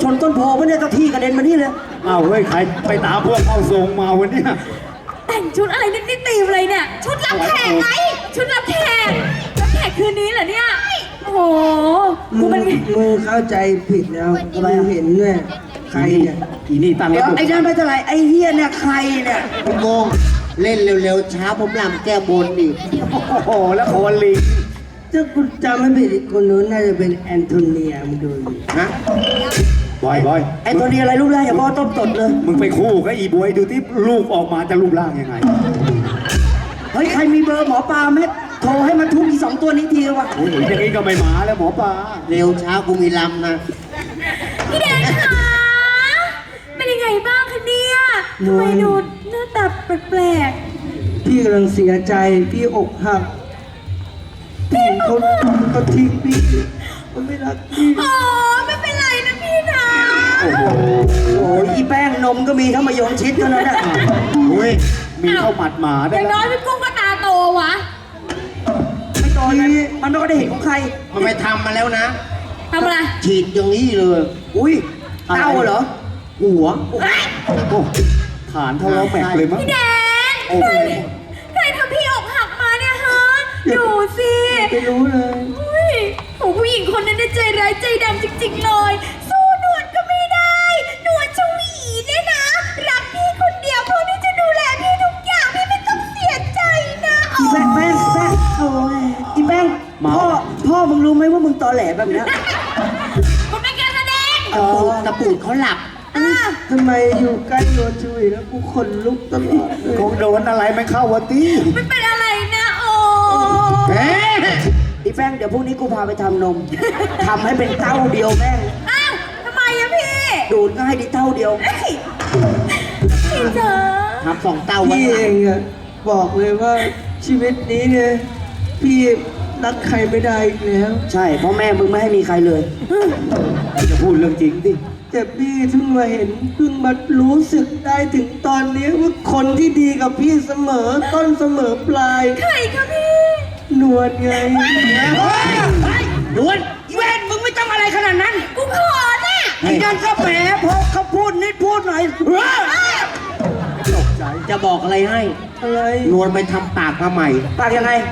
ชนต้นโพเพราะเนี่ยเจ้าที่กระเด็นมานี่เลยอ้าวเฮ้ยใครไปตามพวกเข้าทรงมาวันเนี้ยแต่งชุดอะไรนี่ตีมเลยเนี่ยชุดรับแขกไงชุดรับแขกรับแขกคืนนี้เหรอเนี่ยโอ้โหกูเป็นมึงเข้าใจผิดแล้วมึงเห็นเนี่ยใครเนี่ยอีนี่ตั้งเดี๋ยวแล้วไอ้นั่นไม่เท่าไหร่ไอ้เฮียเนี่ยใครเนี่ยพี่โมงเล่นเร็วๆช้าผมลำแก้บนอีกโอ้โหแล้วโคนลิงถ้ากูจำไม่ผิดอีกคนนู้นน่าจะเป็นแอนโทเนียมึงดูดิฮะบอยไอ้ตัวนี้อะไรรูปร่างอย่างพ่อต้มตดเลยมึงไปคู่กับอีบวยดูที่ลูกออกมาจะรูปร่างยังไงเฮ้ยใครมีเบอร์หมอปลาไหมโทรให้มันทุบอีสองตัวนี้ทีวะโอ้ยอย่างนี้ก็ไม่มาแล้วหมอปลาเร็วช้ากูมีลำนะพี่แดงคะเป็นยังไงบ้างคะเนี่ยทำไมดูหน้าตาแปลกพี่กำลังเสียใจพี่อกหักพี่เขาทิ้งพี่เขาไม่รักพี่ๆอ๋อไม่เป็นไรนะพี่นะโอ้โหโอ้ยอีแป้งนมก็มีทั้งมะยงชิดเท่านั้นแหละเฮ้ยมีเข้าหมัดหมาอได้ย่างน้แล้อยว พี่กุ้งก็ตาโตวะไม่โตนะมันไม่ก็ได้เห็นของใครมันไปทำมาแล้วนะทำอะไรฉีดอย่างนี้เลยอุ้ยเต้าเหรอหัวโอ้ฐานทะเลาะแม็กเลยมั้งพี่แดงโอ้โหใครทำพี่อกหักมาเนี่ยฮะดูสิไม่รู้เลยอุ้ยโหผู้หญิงคนนั้นเนี่ยใจร้ายใจดำจริงๆเลยสู้หนวดก็ไม่ได้หนวดชวีเนี่ยนะรักพี่คนเดียวพร้อมที่จะดูแลพี่ทุกอย่างพี่ไม่ต้องเสียใจนะอีแป้งโอ้ยอีแป้งพ่อมึงรู้ไหมว่ามึงตอแหลแบบเนี้ยมันเป็นการแสดงตะปูดเขาหลับทำไมอยู่ใกล้โดนจุยแล้วกูขนลุกตลอดเลยคงโดนอะไรไม่เข้าวะตี้มันเป็นอะไรนะโอ้เอ๊ะอีแป้งเดี๋ยวพรุ่งนี้กูพาไปทำนมทำให้เป็นเต้าเดียวแม่งอ้าวทำไมอะพี่ดูดก็ให้ไดีเต้าเดียวเอ้ยพี่เจอทำสองเต้าไว้พี่ข้างหเอลังงอะบอกเลยว่าชีวิตนี้เนี่ยพี่รักใครไม่ได้อีกแล้วใช่เพราะแม่มึงไม่ให้มีใครเลยจะพูดเรื่องจริงดิแต่พี่เพิ่งมาเห็นเพิ่งมารู้สึกได้ถึงตอนนี้ว่าคนที่ดีกับพี่เสมอต้นเสมอปลายใครคะพี่นวลไงดวนอีเวนมึงไม่ต้องอะไรขนาดนั้นกูขอน่ะไอ้นั่นก็แหมพอเขาพูดนิดพูดหน่อยตกใจจะบอกอะไรให้อะไรนวลไปทำปากมาใหม่ปากยังไง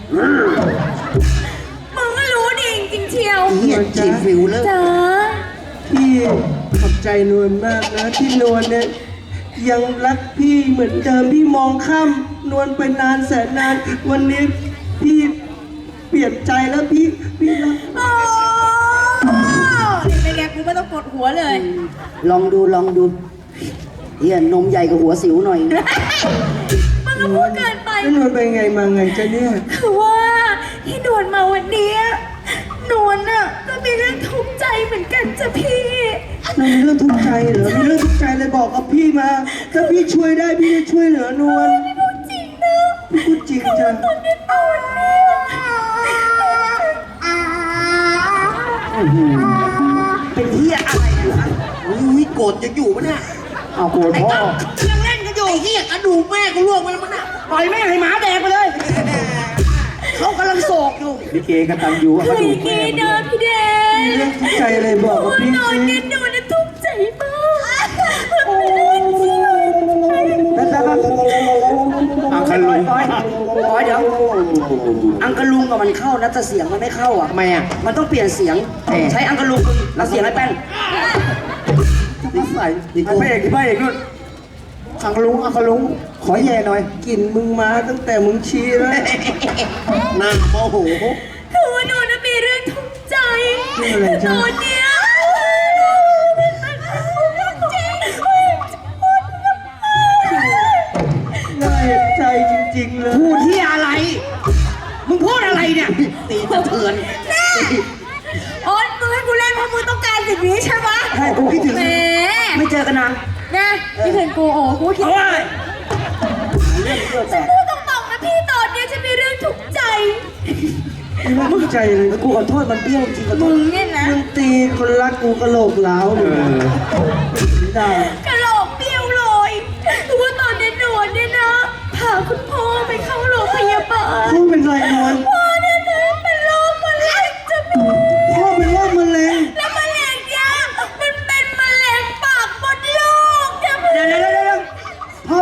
มึงก็รู้ดีจริงๆเชียวเฮียฉีดฟิวเลยจ๋าพี่ขอบใจนวลมากนะที่นวลเนี่ยยังรักพี่เหมือนเดิมพี่มองข้ามนวลไปนานแสนนาน วันนี้พี่เปลี่ยนใจแล้วพี่รักโอ้เป็นไงกูไม่ต้องกดหัวเลยลองดูเฮียนมใหญ่กว่าหัวสิวหน่อยมึงก็พูดเกินไปแล้วนวลไปไงมาไงจะเนี่ยคือว่าที่นวลมาวันเนี้ยนวลน่ะก็มีเรื่องทุกข์ใจเหมือนกันจ้ะพี่เรามีเรื่องทุกข์ใจเหรอมีเรื่องทุกข์ใจเลยบอกกับพี่มา ถ้าพี่ช่วยได้พี่จะช่วยเหลือนวลไม่พูดจริงนะพี่พูดจริงจ้ะตอนนี้นวลเนี่ยเป็นเฮียอะไรอยู่ฮะอุ้ยโกรธจะอยู่ปะเนี่ยเอาโกรธพ่อยังเล่นกันอยู่ไอ้เฮียกระดูกแม่กูล่วงมาแล้วมั้งน่ะปล่อยแม่งให้หมาแดกไปเลย เขากำลังโศกอยู่ลิเกกันตังอยู่คืกระอดูอก ย่างแม่นี้นะพี่แดงมีเรื่องทุกข์ใจอะไรบอกกับพี่นอนสิเนี่ยนวลน่ะทุกข์ใจมากอังคาลุงปล่อยเดี๋ยว อังกะลุงกับมันเข้านะแต่เสียงมันไม่เข้าอ่ะทำไมอ่ะมันต้องเปลี่ยนเสียง ใช้อังกะลุงแล้วเสียงไอ้แป้งนิสัยไอ้พระเอกที่พระเอกนู่นอังคาลุงขอแย่หน่อยกลิ่นมึงมาตั้งแต่มึงชี้แล้วหน้าโมโหคือว่านวลน่ะมีเรื่องทุกข์ใจเรื่องอะไรจ๊ะตอนเนี้ยน่าเห็นใจจริงๆเลยพูดที่อะไร มึงพูดอะไรเนี่ยตีสะเทือนโอ๊ยมึงให้กูเล่นเพราะมึงต้องการสิ่งนี้ใช่ไหมใช่กูคิดถึงแหมไม่เจอกันนานนะพี่ถึงกูโอ้กูคิดโอ้ยเรื่องเกิดแต่พูดตรงๆนะพี่ตอนเนี้ยฉันมีเรื่องทุกข์ใจไม่น่าทุกข์ใจเลยกูขอโทษมันเปรี้ยวจริงขอโทมึษงเนี่ยนะมึงตีคนรักกูกระโหลกหลาวเลยไม่ได้กะโหลกเบี้ยวเลยคือว่าตอนนี้นวลเนี่ยนะพาคุณพ่อไปเข้าโรงพยาบาลพ่อเป็นไรนวลพ่อเนี่ยนะเป็นโรคมะเร็งจะมีพ่อเป็นโรคมะเร็งแล้วมะเร็งเนี่ยมันเป็น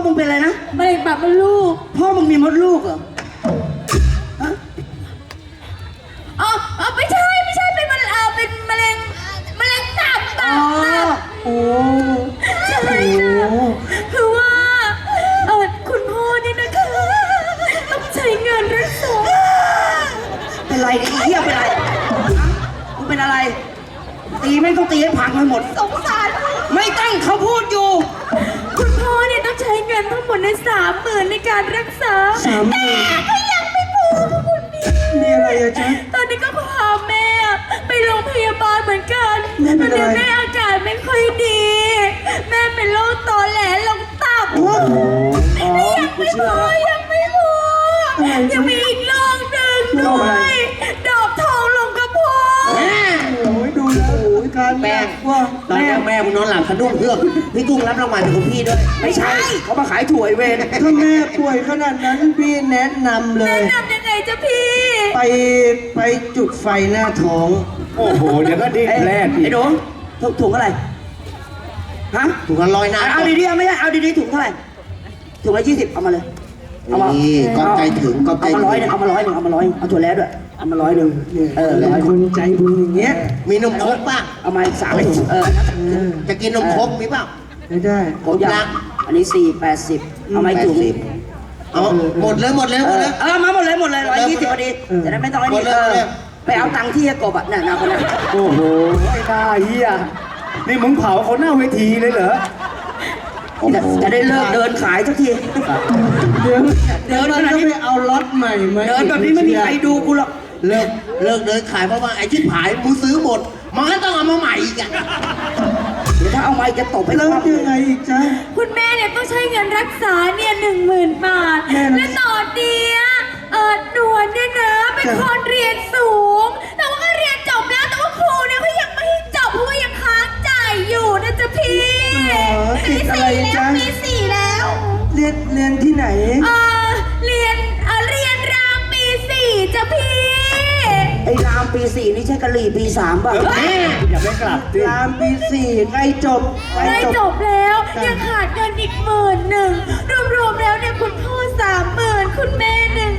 มึงเป็นอะไรนะมะเร็งปากมดลูกพ่อมึงมีมดลูกเหรอฮะอ๋อไม่ใช่เป็นมะเร็งเป็นมะเร็งตับอ๋อโอ้ใช่ค่ะคือว่าคุณพ่อเนี่ยนะคะต้องใช้เงินรักษาเป็นไรเนี่ยไอ้เหี้ยเป็นไรมึงเป็นอะไร ตีไม่ต้องตีให้พังไปหมดสงสารไม่ต้องเขาพูดอยู่คุณพ่อเนี่ยต้องใช้เงินทั้งหมดใน30,000ในการรักษา 30,000 ก็ยังไม่พอค่ะคุณพี่มีอะไรอะจ๊ะตอนนี้ก็พาแม่ไปโรงพยาบาลเหมือนกันแม่เป็นอะไรตอนนี้แม่อาการไม่ค่อยดี แม่เป็นโรคตอแหลลงตับอ๋อยังกูไม่พเชื่ออแล้วยังไม่พอยังมีอีกโรคหนึ่งโรด้คอะไรวยดอกทองลงกระเพาะโอ้ยดูแล้วโอ้ยการแป้งว่าตอนนี้แม่มึงนอนหลับสะดุ้งเฮือกพี่กุ้งรับรางวัลจากคุณพี่ด้วยไม่ใช่เขามาขายถั่วไอ้เวรถ้าแม่ป่วยขนาดนั้นพี่แนะนำเลแนะยนำยังไงจ๊ะพี่ไปจุดไฟหน้าท้องโอ้โหเดี๋ยวก็ดิ้นแรกอีไอ้กหนูถุงอะไรฮะถูกกันลอยน้ำเอาดีๆไม่ใช่เอาดีๆถุงเท่าไหร่ถุงละ20เอามาเลยเอามานี่ก็ใจถึงก็ใจเอามาถึง 100เอามา100เอาถั่วแล้วด้วยเอามา100 100 คนใจบุญอย่างเงี้ยมีนมครกป่ะเอามา3ถุงจะกินนมครกมีป่ะไม่ได้ผมอยากอันนี้480เอามาอีกถุงเอาหมดเลยหมดเลยหมดเลยมาหมดเลย120พอดีจะได้ไม่ต้องไอ้นี่ไปเอาตังค์ที่กบอ่ะน่ะคนนั้นโอ้โหไอ้หน้าเหี้ยนี่มึงเผาเขาหน้าเวทีเลยเหรอจะได้เลิกเดินขายสักทีเดี๋ยวเดินมันขนาดก็นี้ไปเอาล็อตใหม่มาเดินแบบนี้ไม่มีใครดูกูหรอกเลิกเดินขายเพราะว่าไอ้ที่ขายมึงซื้อหมดมันก็ต้องเอามาใหม่อีกอ่ะเดี๋ยวถ้าเอาไม้จะตบให้แล้วคว่ำยังไงอีกจ๊ะคุณแม่เนี่ยต้องใช้เงินรักษาเนี่ย10,000 บาทแม่รักษาและตอนเนี้ยหนวลเนี่ยนะเป็นคนเรียนสูง แต่ว่าก็เรียนจบแล้วแต่ว่าครูเนี่ยเขายังไม่ให้จบเพราะว่ายังค้างจ่ายอยู่นะจ๊ะพี่ติดอะไรจ๊ะปีสี่แล้วเรียนที่ไหนเรียนรามปีสี่จ้ะพี่ไอ้รามปี 4นี่ใช่กะหรี่ปี 3ป่ะอย่าไปกลับสิรามปี4ใกล้จบได้จบแล้วยังขาดเงินอีก11,000รวมๆแล้วเนี่ยคุณพ่อ30,000คุณแม่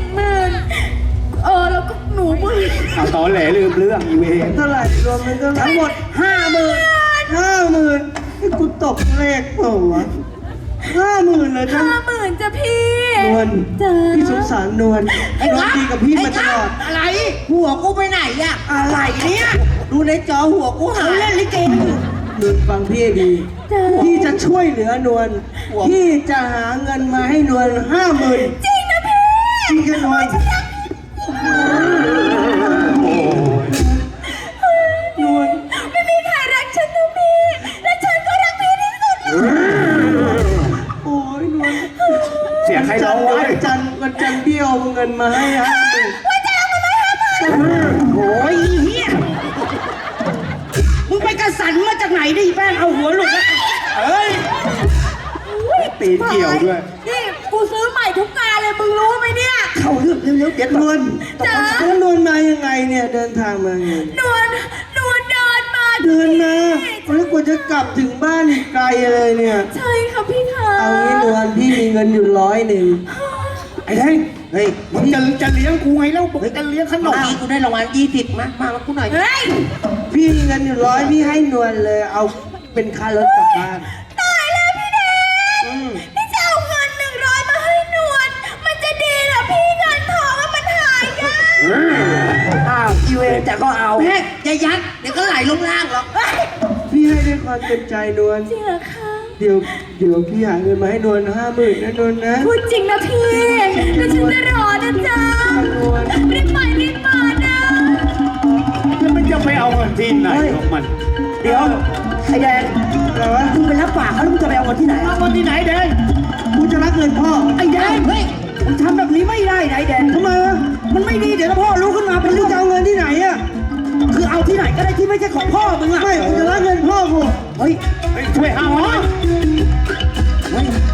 10,000แล้วก็หนูมือเอาตอนแหลลืมเรื่องอีเวนเท่าไหร่รวมเป็นเท่าไหร่ทั้งหมด 50,000 50,000ให้กูตกเลขเปล่าวะ50,000เลยจ้ะ 50,000จ้ะพี่นวลจ้าพี่สงสารนวลนวลดีกับพี่มาตลอดอะไร หัวกูไปไหนอ่ะอะไรเนี่ยดูในจอหัวกูหาเขายเล่นลิเกอยู่นวลฟังพี่ให้ดีจ้าพี่จะช่วยเหลือนวลพี่จะหาเงินมาให้นวล50,000 จริงนะพี่จริงกันนวลนวลไม่มีใครรักฉันนะพี่และฉันก็รักพี่ที่สุดเลยโอ้ยนวลเสียงใครร้องไว้วันจันทร์พี่เอาเงินมาให้50,000 โอ้ยเฮียมึงไปกระสันมาจากไหนดิแป้งเอาหัวหลุดแล้วเอ้ยตีนเกี่ยวด้วยนี่กูซื้อใหม่ทุกงานเลยมึงรู้ไหมเนี่ยเข้าเรื่องเร็วๆเดี๋ยวนวลจ๋าแล้วนวลมายังไงเนี่ยเดินทางมาไงนวลเดินมาเดินมาแล้วกว่าจะกลับถึงบ้านอีกไกลเลยเนี่ยใช่ค่ะพี่คะเอางี้นวลพี่มีเงินอยู่100 ไอ้เฮ้ยเฮ้ยมึงจะเลี้ยงกูไงแล้วบอกจะเลี้ยงขนเมื่อมกี้กูได้รางวัล20มากูหน่อยเฮ้ยพี่มีเงินอยู่100พี่ให้นวลเลยเอาเป็นค่ารถกลับบ้านตายแล้วพี่แดงนี่จะเอาเงิน100มาให้นวลมันจะดีเหรอพี่เงินทองอะมันหายากอ้าวอีเวนแต่ก็เอาแม่อย่ายัดเดี๋ยวก็ไหลลงล่างหรอกพี่ให้ด้วยความเต็มใจนวลจริงเหรอคะเดี๋ยวพี่หาเงินมาให้นวล50,000นะนวลนะพูดจริงนะพี่แล้วฉันจะรอนะจ๊ะรีบไปรีบมานะแล้วมันจะไปเอาเงินที่ไหนของมันเดี๋ยวไอ้แดงอะไรวะมึงไปรับปากเขาแล้วมึงจะไปเอาเงินที่ไหนเอาเงินที่ไหนแดงกูจะรักเงินพ่อไอ้แดงเฮ้ยมึงทำแบบนี้ไม่ได้นะไอ้แดงทำไมวะมันไม่ดีเดี๋ยวถ้าพ่อรู้ขึ้นมาเป็นมึเรื่งองจะเอาเงินที่ไหนอะคือเอาที่ไหนก็ได้ที่ไม่ใช่ของพ่อมึงอะไม่กูจะรักเงินพ่อกูเฮ้ยเฮ้ยช่วยหาหมอเฮ้ย